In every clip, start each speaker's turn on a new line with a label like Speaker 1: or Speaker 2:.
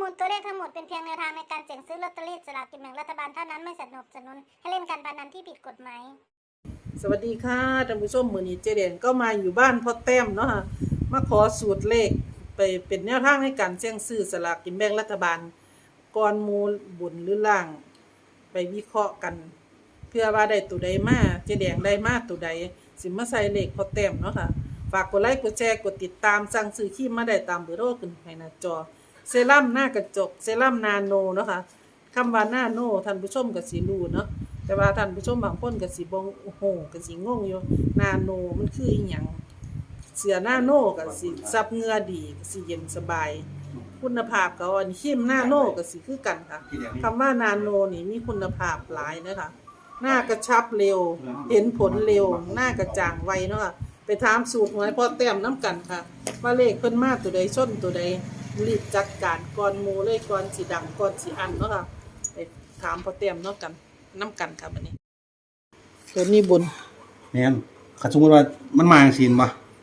Speaker 1: ลตัวเลขทั้งหมดเป็นเพียงแนวทางในการเสี่ยงซื้อลอตเตอรี่สลากกินแบ่งรัฐบาลเท่านั้นไม่สนับสนุนให้เล่นการพนันที่ผิดกฎหมาย
Speaker 2: สวัสดีค่ะท่านผู้ชมมื้อนี้เจเดนก็มาอยู่บ้านพ่อแต้มเนาะค่ะมาขอสูตรเลขไปเป็นแนวทางในการเสี่ยงซื้อสลากกินแบ่งรัฐบาลก่อนหมู่บุญหรือล่างไปวิเคราะห์กันเพื่อว่าได้ตัวใดมาเจแดงได้มาตัวใดสิมาใส่เลขพ่อแต้มเนาะค่ะฝากกดไลค์กดแชร์กดติดตามสั่งซื้อครีมมาได้ตามเบอร์โทรขึ้นให้หน้าจอเซรั่มหน้ากระจกเซรั่มนาโนเนาะค่ะคำว่านาโนท่านผู้ชมก็สิรู้เนาะแต่ว่าท่านผู้ชมบางคนก็สิบ่โอ้โหก็สิงงอยู่นาโนมันคืออีหยังเสื้อนาโนก็สิซับเหงื่อดีก็สิเย็นสบายคุณภาพก็อันครีมนาโนก็สิคือกันค่ะคำว่านาโนนี่มีคุณภาพหลายนะคะหน้ากระชับเร็วเห็นผลเร็วหน้ากระจ่างไวเนาะค่ะไปถามสูตรหวยพ่อแต้มน้ำกันค่ะว่าเลขเพิ่นมาตัวใดส้นตัวใดรีบจัดการก่อนหมู่เลยก่อนสิดังก่อนสิอันเนาะค่ะไปถามพ่อแต้มเนาะกันน้ำกันครับอันนี้ตัวนี้บุญ
Speaker 3: แม่นคันสมมุติว่ามันมาจังซี่บ่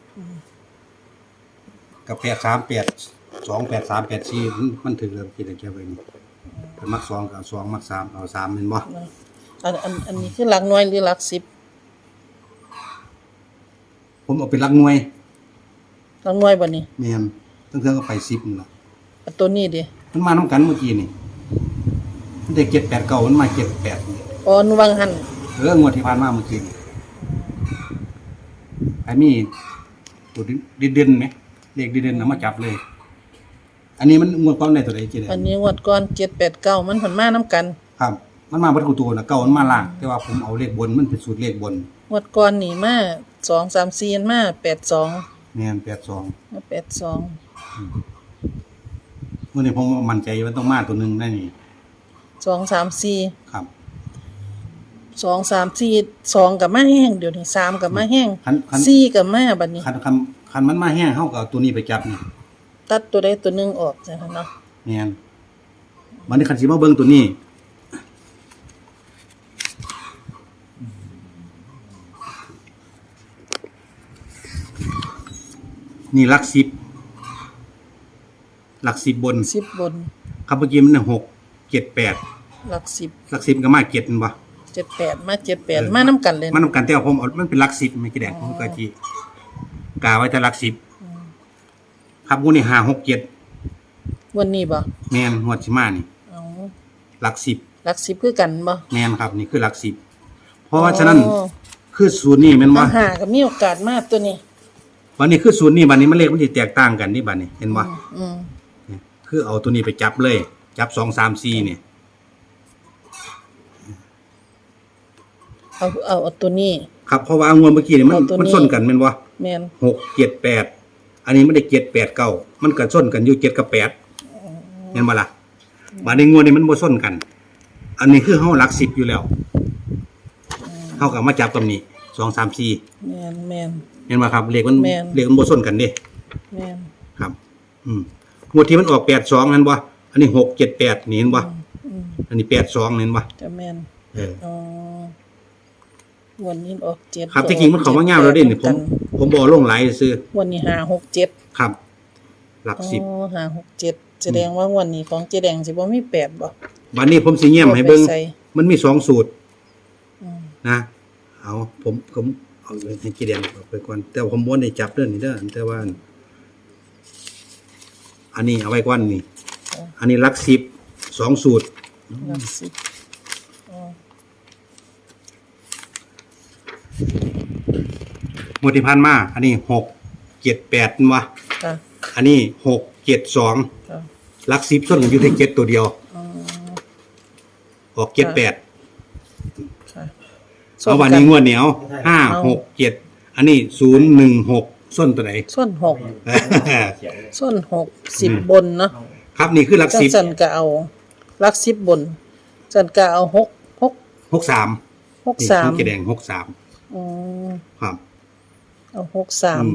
Speaker 3: กับ8382834มันถึงเริ่มคิดได้แค่ไว้นี่ถ้ามัก2ก็เอา2มัก3เอา3แม่นบ่
Speaker 2: อันนี้คือหลักหน่วยหรือหลัก10
Speaker 3: ผมเอาเป็นหลักหน่วย
Speaker 2: หลักหน่วยบ่นี่
Speaker 3: แม่นเทิงๆก็ไป10นี่ล่ะ
Speaker 2: ตัวนี้ดิ
Speaker 3: มันมานํกันเมื่อกี้นี่มันได้789มันมา78นี่
Speaker 2: อ๋อนูวังหัน
Speaker 3: งวดที่ผ่านมาเมื่อกี้นี่ไอ้มีตัวเด่นๆมั้ยเลขเด่นๆเอามาจับเลยอันนี้มันงวดก่อนได้ตัวใดจิได้
Speaker 2: อันนี้งวดก่อน789มันผลมานํกัน
Speaker 3: ครับมันมาเบิดกูตัวน่ะเก่ามันมาล่างแต่ว่าผมเอาเลขบนมันเป็นสูตรเลขบน
Speaker 2: งวดก่อนนี่มา2 3 4มา82
Speaker 3: แม่น82
Speaker 2: มา82
Speaker 3: มื้อนี้ผมมั่นใจว่าต้องมาตัวนึงได้นี่
Speaker 2: 2 3 4
Speaker 3: ครับ
Speaker 2: 2 3 4 2ก็มาแห้งเดี๋ยวนี้3ก็มาแห้ง4ก็มาบัดนี้
Speaker 3: คันมันมาแห้งเฮาก็เอาตัวนี้ไปจับนี่
Speaker 2: ตัดตัวใดตัวนึงออกจังซั่นเนาะ
Speaker 3: แม่นบัดนี้คันสิมาเบิ่งตัวนี้นี่หลัก10บน
Speaker 2: 10บน
Speaker 3: ครับเมื่อกี้มัน6 7 8
Speaker 2: หลัก10
Speaker 3: ก็มา7แม่นบ่
Speaker 2: 78มา78มานํกันเลย
Speaker 3: มานํกันแต่ว่าผมเอามันเป็นหลัก10ไม่กี่แดงผมก็สิกะไว้แต่หลัก10ครับงวดนี้5 6 7
Speaker 2: วันนี้บ่
Speaker 3: แม่นงวดสิมานี่
Speaker 2: อ๋อ
Speaker 3: หลัก
Speaker 2: 10คือกันบ่
Speaker 3: แม่นครับนี่คือหลัก10เพราะว่าฉะนั้นคือสูตรนี้แม่นบ่
Speaker 2: หาก็มีโอกาสมาตัวนี้
Speaker 3: วันนี้คือสูตรนี้บัดนี้มันเลขมันสิแตกต่างกันนี่บัดนี้เห็นบ่คือเอาตัวนี้ไปจับเลยจับ2 3 4นี่
Speaker 2: เอาตัวนี้
Speaker 3: ครับเพราะว่างวดเมื่อกี้นี่มันส้นกันแม่นบ่
Speaker 2: แม่น
Speaker 3: 6 7 8อันนี้มันได้7 8 9มันก็ส้นกันอยู่7กับ8เห็นบ่ล่ะบัดนี้งวดนี้มันบ่ส้นกันอันนี้คือเฮาหลัก10อยู่แล้วเฮาก็มาจับกับนี้2 3 4
Speaker 2: แม่น
Speaker 3: เห็นบ่ครับเลขมันบ่ส้นกันเด้
Speaker 2: แม่น
Speaker 3: ครับงวดที่มันออก82นั่นบ่อันนี้6 7 8นี่เห็นบ่อันนี้82เห็นบ่
Speaker 2: จะแม่นอ๋อวันนี้ออก7
Speaker 3: ครับที่จริงมันเข้ามายาวแล้วเด้นี่ผมบ่ลงหลายซื่อ
Speaker 2: วันนี้5 6 7
Speaker 3: ครับหลัก10
Speaker 2: อ๋อ5 6 7แสดงว่าวันนี้ของเจแดงสิบ่มี8บ่
Speaker 3: บัดนี้ผมสิแย้มให้เบิ่งมันมี2สูตรนะเอาผมเอาให้เจแดงไปก่อนแต่ผมบ่ได้จับเด้อนี่เด้อแต่ว่าอันนี้เอาไว้ก่อนนี่อันนี้หลัก10 2สูตร
Speaker 2: หลัก10
Speaker 3: งวดที่ผ่านมาอันนี้6 7 8นั่นวะอันนี้6 7 2หลัก10ส่วนกันอยู่ที่7ตัวเดียวออก7 8เอาวันนี้งวดเหนียว5 6 7อันนี้0 1 6ส้นตัวไหน
Speaker 2: ส้น6ส้น6 10บนเนาะ
Speaker 3: ครับนี่คือหลัก10
Speaker 2: จันก็เอาหลัก10บนจันก็เอา
Speaker 3: 63นี่แดง63
Speaker 2: อ๋อ
Speaker 3: ครับ
Speaker 2: เอา63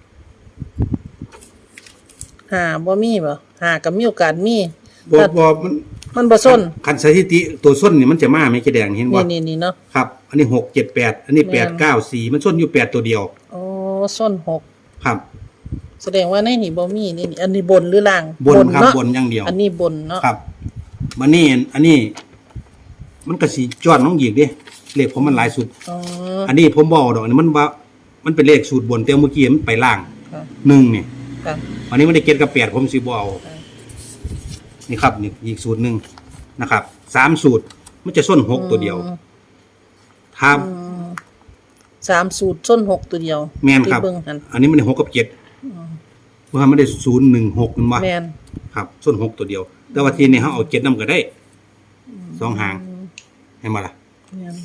Speaker 2: บ่มีบ่ก็มีโอกาสมี
Speaker 3: บ่
Speaker 2: มันบ่ส้น
Speaker 3: คันสถิติตัวส้นนี่มันจะมาไหมเจแดงเห็นบ่
Speaker 2: นี่เนาะ
Speaker 3: ครับอันนี้6 7 8อันนี้8 9 4มันส้นอยู่8ตัวเดียว
Speaker 2: อ๋อส้น6
Speaker 3: ครับ
Speaker 2: แสดงว่าในนี่บ่มีนี่อันนี้บนหรือล่าง
Speaker 3: บนครับ
Speaker 2: เนาะ
Speaker 3: บนอย่างเดียว
Speaker 2: อันนี้บนเนาะ
Speaker 3: ครับมานี่อันนี้ มันก็สิจอดน้องหยิกดิเลขผมมันหลายสุด
Speaker 2: อ๋อ
Speaker 3: อันนี้ผมบอกดอกนี่มันว่ามันเป็นเลขสูตรบนแต่เมื่อกี้มันไปล่าง
Speaker 2: ค่ะ
Speaker 3: 1นี่
Speaker 2: ค่ะ
Speaker 3: อันนี้มันได้เก็ดกับ8ผมสิบ่เอานี่ครับนี่อีกสูตรหนึงนะครับ3สูตรมันจะส้น6ตัวเดียวครับ
Speaker 2: 3สูตรส้น6ตัวเดียว
Speaker 3: แม่นครับ
Speaker 2: ที่เบิ่งหั่น
Speaker 3: อันนี้มันได้6กับ7เพราะว่ามันได้016มันว่า
Speaker 2: แม่น
Speaker 3: ครับส้น6ตัวเดียว แต่ว่าทีนี้เฮาเอา7นำก็ได้2หางให้มาล่ะ
Speaker 2: แม่น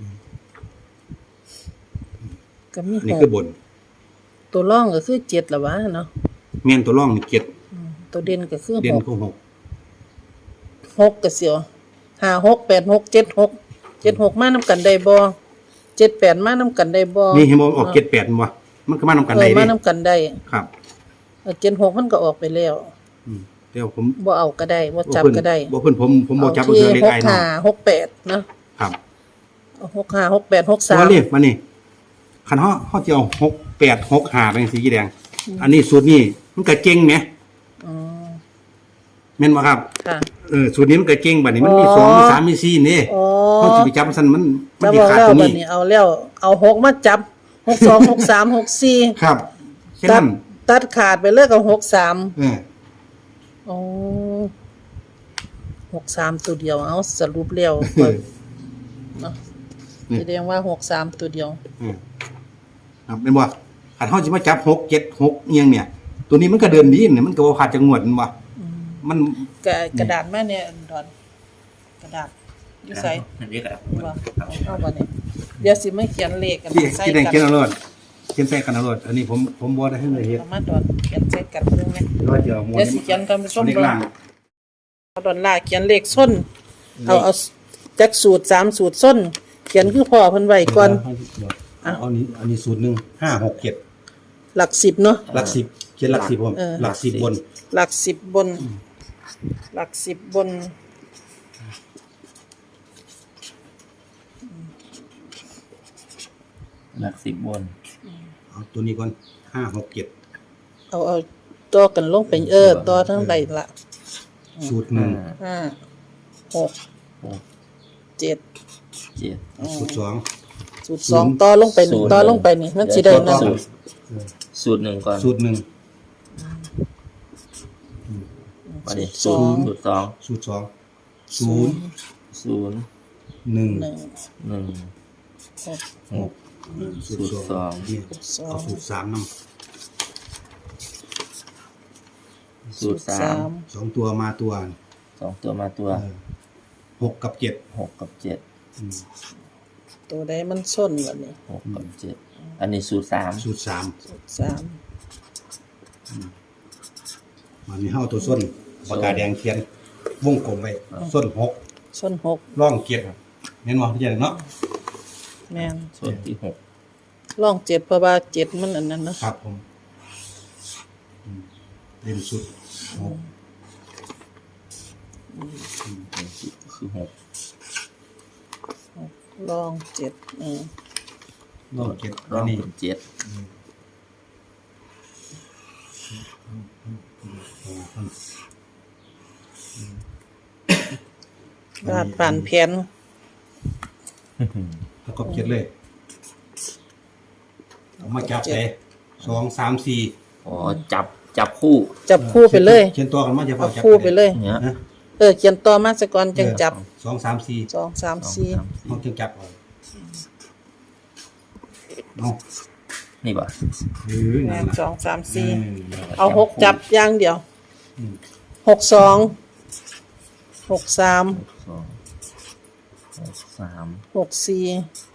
Speaker 2: ก็มี
Speaker 3: อันนี้คือบน
Speaker 2: ตัวร่องก็คือ7ล่ะวะเนาะ
Speaker 3: แม่นตัวร่องนี่
Speaker 2: ตัวเด่นก็คือ
Speaker 3: 7เด่น
Speaker 2: 6
Speaker 3: คือ
Speaker 2: 6ก็เสียว5 6 8 6 7 6 7 6มานำกันได้บ่7 8มานำกันได้บ่
Speaker 3: 6นี่เห็นบ่ออก7 8มันว่ามันก็มานำกันได้
Speaker 2: มา
Speaker 3: เด้
Speaker 2: นำกันได้
Speaker 3: ครับ
Speaker 2: 7 6มันก็ออกไปแล้ว
Speaker 3: เดี๋ยวผม
Speaker 2: บ่เอาก็ได้บ่จับก็ได้
Speaker 3: บ่เพิ่นผมบ่จับ
Speaker 2: เอา
Speaker 3: เพิ่น
Speaker 2: ที่
Speaker 3: เลขไอ้เนาะ
Speaker 2: 6 5 6 8เนาะ
Speaker 3: ครับ
Speaker 2: 6 5 6 8 6
Speaker 3: ตัวนี้
Speaker 2: 3
Speaker 3: มานี่คันเฮาสิเอา6 8 6 5เป็นสีแดง อันนี้สูตรนี้มันก็เก่งแหม
Speaker 2: อ๋อ
Speaker 3: แม่นบ่ครับ
Speaker 2: ค่ะ
Speaker 3: สูตรนี้มันก็เก่งบัดนี้มันมี
Speaker 2: อ๋อ
Speaker 3: 2มี3มี4นี่
Speaker 2: อ๋อ
Speaker 3: เฮาสิไปจับมันซั่นมัน
Speaker 2: จะ
Speaker 3: สิ
Speaker 2: บอก
Speaker 3: ขาด
Speaker 2: แล้ว
Speaker 3: ตัว
Speaker 2: บั
Speaker 3: นี้
Speaker 2: ดนี้เอาแล้วเอา6มาจับ6 2 6 3 6 4
Speaker 3: ครับแค่
Speaker 2: ตั
Speaker 3: นั้
Speaker 2: ด
Speaker 3: น
Speaker 2: ตัดขาดไปเลยกับ6 3
Speaker 3: เออ
Speaker 2: อ๋อ6 3ตัวเดียวเอาสรุปแล้ว
Speaker 3: เออ
Speaker 2: เนาะแสดงว่า6 3ตัวเดียว
Speaker 3: ครับแม่นบ่คันเฮาสิมาจับ6 7 6อีหยังเนี่ย ตัวนี้มันก็เดินดีเนี่ยมันก็บ่ขาดจังหวดมันบ่มัน
Speaker 2: กระดาษมาเนี่ยดอนกระดาษอยู่ไส
Speaker 4: อันนี้ครับ
Speaker 2: ว่าเอาบ่เนี่ยเดี๋ยวสิมาเขียนเลขกัน
Speaker 3: ที่
Speaker 2: ใส่
Speaker 3: ที่แดง
Speaker 2: กั
Speaker 3: เขียนเอาโลดเขียนใส่กันเอาโลดอันนี้ผมบ่ได้ให้เลยเฮ็ด
Speaker 2: เอามาดอนเขียนใส่กันเบิ่งแม่
Speaker 3: ว่าจะเอาหมว
Speaker 2: เดี๋ยวสิเขียนกันไปส้ม
Speaker 3: เบิ่
Speaker 2: เบิ่ง
Speaker 3: ล่าง
Speaker 2: เอาดอนล่าเขียนเลขส้นเอาจักสูตร3สูตรส้น เขียนคือพ่อเพิ่นไว้ก่อน
Speaker 3: เอาอันนี้สูตรหนึง5 6 7
Speaker 2: หลัก10เนาะ
Speaker 3: หลัก10เขียนหลัก10ผม
Speaker 2: เออ
Speaker 3: หลัก10บน
Speaker 2: หลัก10บน หลัก10บน
Speaker 4: หลัก10บน
Speaker 3: เอาตัวนี้ก่อน5 6 7
Speaker 2: เอาต่อกันลงไปต่อทั้งใดละ
Speaker 3: สูตรหนึ่ง
Speaker 2: 5 6 7
Speaker 4: 7
Speaker 3: สูตรสอง
Speaker 2: สูตร2ต่อลงไป1ต่อลงไปนี่มันสิได้นั่น
Speaker 4: สูตรหนึ่งก่อน
Speaker 3: สูตรหนึ่ง
Speaker 4: มาดิ
Speaker 2: สู
Speaker 4: สู
Speaker 2: ต
Speaker 4: ต
Speaker 2: ร
Speaker 4: รสูตรสอง
Speaker 3: สูตร2
Speaker 4: ศูนย์
Speaker 3: 1
Speaker 2: 1
Speaker 4: หนึ่ง
Speaker 2: 6
Speaker 3: 6สูตร
Speaker 4: สูตรสอง
Speaker 3: นี่เอาสูตร3นำ
Speaker 4: สูตรสาม
Speaker 3: 2ตัวมาตัว
Speaker 4: 2ตัวมาตัว
Speaker 3: 6กับ7
Speaker 4: 6กับ7
Speaker 2: ตัวใดมันส้นบัดนี้
Speaker 4: 6กับ7อันนี้สูตร3
Speaker 3: สูตร3
Speaker 2: สูตร3
Speaker 3: มันมีเฮาตัวส้นปากกาแดงเขียนวงกลมไว้ส้น6
Speaker 2: ส้น6
Speaker 3: ร่อง7แม่นบ่พี่เนาะ
Speaker 2: แม่น
Speaker 4: สูตรที่6
Speaker 2: ร่อง7เพราะว่า7มันอันนั้นเนาะ
Speaker 3: ครับผมเล่นสุด6
Speaker 4: คือ6
Speaker 2: ร่อง7
Speaker 3: ร่อง7
Speaker 4: ร่
Speaker 3: อั
Speaker 4: อน ง
Speaker 3: นี้
Speaker 4: เป็น7
Speaker 2: วาดผ่านแผน
Speaker 3: แล้วก็7เลยเอามาจับไป2 3 4
Speaker 4: อ๋อจับคู่
Speaker 2: จับคู่ไปเลย
Speaker 3: เขียนตัวกันมาจะพอ
Speaker 2: เอา
Speaker 3: จับ
Speaker 2: คู่ไปเลย
Speaker 4: เนี้ย
Speaker 3: นะ
Speaker 2: เขียนต่อมาซะก่อนจังจับ
Speaker 3: 2 3 4
Speaker 2: 2 3 4
Speaker 3: เอาจังจับเอาเอา
Speaker 4: นี่ป่ะ
Speaker 2: แม่
Speaker 3: นั่น
Speaker 2: น
Speaker 3: ล่ะ
Speaker 2: 2 3 4
Speaker 3: นั่นล่ะ
Speaker 2: เอา6จับอย่างเดียว
Speaker 3: อืม
Speaker 2: 6 2 6 3
Speaker 4: 2 6 3
Speaker 2: 6 4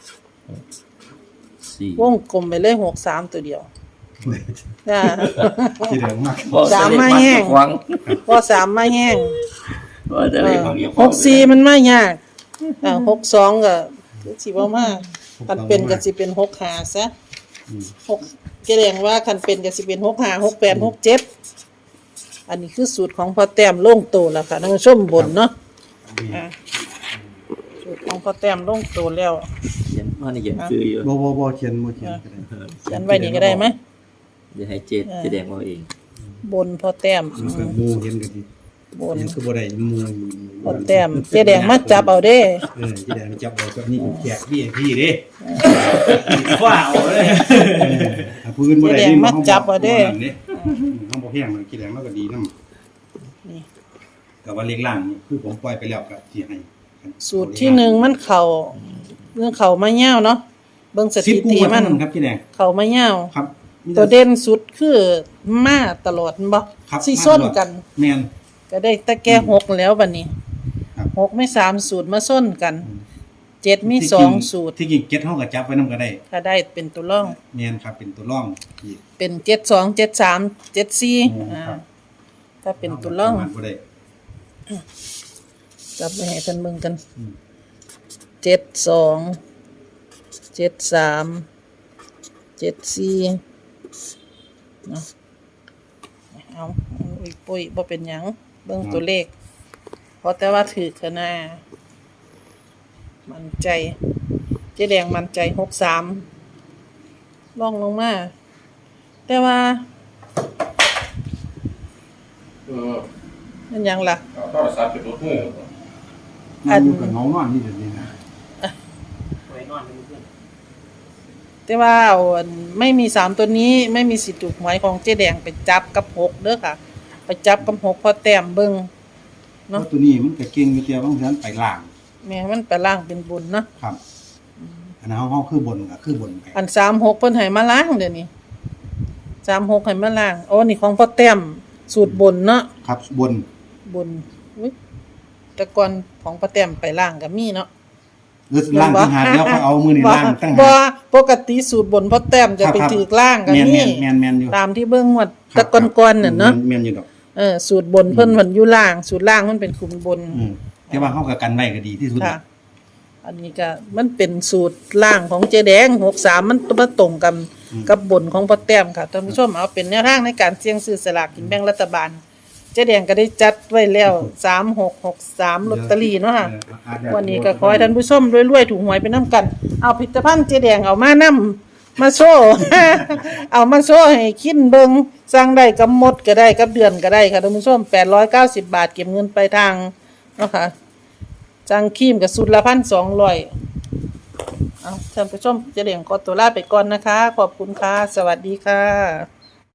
Speaker 4: 4
Speaker 2: วงกลมไปเลย6 3ตัวเดียวจ้า
Speaker 3: ที่เดิมมาก
Speaker 2: สามมาแห้ง
Speaker 4: หวัง
Speaker 2: พอ3มาแห้ง
Speaker 4: ว่าจะได้ของเดียว
Speaker 2: 6 4มันมายาก6 2ก็สิบ่มาคันเป็นก็สิเป็น6 5ซะ6แสดงว่าคันเป็นก็สิเป็น6 5 6 8 6 7อันนี้คือสูตรของพ่อแต้มลงโตแล้วค่ะท่านผู้ชมบนเนาะสูตรของพ่อแต้มลงโตแล้ว
Speaker 4: เขียนว่านี่เขียนชื่ออยู่
Speaker 3: บ่เขียนก็ได้
Speaker 2: เขียนไว้นี่ก็ได้ไหม
Speaker 4: เดี๋ยวให้เจแดงเอาเอง
Speaker 2: บนพอแต้ม
Speaker 3: มันก็หมู่เห็นกันดี
Speaker 2: บน
Speaker 3: เห็นคือบ่ได้หมู่
Speaker 2: พอแต้มเจ๊แดงมาจับเอาเด้
Speaker 3: ที่แดงจับเอาก็นี่แขก VIP เด้ว้าวเลยถ้าพื้นบ่ได้นี่เฮาบ่แห้งมันกี่แดงมันก็ดีนำ
Speaker 2: นี่
Speaker 3: แต่ว่าเลขล่างนี่คือผมปล่อยไปแล้วก็สิให้
Speaker 2: สูตรที่หนึ่งมันเข่าเรื่องเข่ามาเง่าวเนาะเบิ่งสถิ
Speaker 3: 10
Speaker 2: ติ
Speaker 3: คู่
Speaker 2: มัน
Speaker 3: ครับกี่แดง
Speaker 2: เข่ามาเง่าว
Speaker 3: ครับ
Speaker 2: ตัวเด่นสุดคือมาตลอดแม่นบ่
Speaker 3: ครับ
Speaker 2: สิส้นกัน
Speaker 3: แม่น
Speaker 2: ก็ได้แต่แก่หกแล้วบัดนี้
Speaker 3: ครับ
Speaker 2: หกไม่3สูตรมาส้นกันเจ็ดมี2สูตร
Speaker 3: ที่จริงเก็ตเฮาก็จับไว้นำก็ได้
Speaker 2: ถ้าได้เป็นตัวร่อง
Speaker 3: แม่นครับเป็นตัวร่องอีก
Speaker 2: เป็น72 73 74
Speaker 3: ครับ
Speaker 2: ถ้าเป็นตัวร่อง
Speaker 3: ประมาณบ่ได้
Speaker 2: จับไปให้ท่านเบิ่งกัน
Speaker 3: อืม
Speaker 2: 72 73 74เนาะเอาอีกปุ้ยบ่เป็นหยังเบิ่งตัวเลขเพราะแต่ว่าถือคะนามั่นใจเจ๊แดงมั่นใจ63ล่องลงมาแต่ว่ามันหยังล่ะ
Speaker 5: โทรศัพท์เป็นรถหู
Speaker 2: อัน
Speaker 3: อยู่กับเงานอนนี่เดี๋ยวนี้นะ
Speaker 2: แต่ว่าเอาอันไม่มี3ตัวนี้ไม่มีสิทธิ์ถูกหวยของเจ๊แดงไปจับกับ6เด้อค่ะ ไปจับกับ6พอแต้มเบิ่ง
Speaker 3: เพราะตัวนี้มันก็เก่งอยู่เดียวบางทีมันไปล่าง
Speaker 2: แม่มันไปล่างเป็นบุญเนาะ
Speaker 3: ครับอันนั้นเฮาคือบนก็คือบนไป
Speaker 2: อัน36เพิ่นให้มาล้างเดี๋ยวนี้36ให้มาล้างอ๋อนี่ของพ่อแต้มสูตรบนเนาะ
Speaker 3: ครับบน
Speaker 2: บนอุ๊ยแต่ก่อนของพ่อแต้มไปล้างก็มีเนาะ
Speaker 3: หรือล่างต่างหากแล้วเขาเอามือนี่ล่างต่าง
Speaker 2: บ่
Speaker 3: หาก
Speaker 2: ปกติสูตรบนพ่อแต้มจะไปถือล่างก็
Speaker 3: แม่น
Speaker 2: มี
Speaker 3: แม่นแม่นอยู่
Speaker 2: ตามที่เบิ่งว่าแต่ก่อนๆน่ะเนาะ
Speaker 3: แม่นอยู่ดอก
Speaker 2: สูตรบนเพิ่นมันอยู่ล่าง สูตรล่างมันเป็นคุมบน
Speaker 3: แต่ว่าเฮาก็กันไว้ก็ดีที่สุด
Speaker 2: ค่ะ อันนี้ก็มันเป็นสูตรล่างของเจ๊แดง63มันมาตรงกันกับบนของพ่อแต้มค่ะท่านผู้ชมเอาเป็นแนวทางในการเสี่ยงซื้อสลากกินแบ่งรัฐบาลเจ๊แดงก็ได้จัดไว้แล้ว3663ลอตเตอรี่เนาะค่ะวันนี้ก็ขอให้ท่านผู้ชมรวยๆถูกหวยไปนํกันเอาผลิตภัณฑ์เจ๊แดงเอามานํมาโซ่ เอามาโซ่ให้คิดเบิงสั่งได้กับหมดก็ได้กับเดือนก็ได้ค่ะท่านผู้ชม890 บาทเก็บเงินไปลายทางเนาะค่ะจังครีมกับสุดละ1,200เอาท่านผู้ชมเจะเลี้ยงขอตัวลาไปก่อนนะคะ ขอบคุณค่ะ สวัสดีค่ะ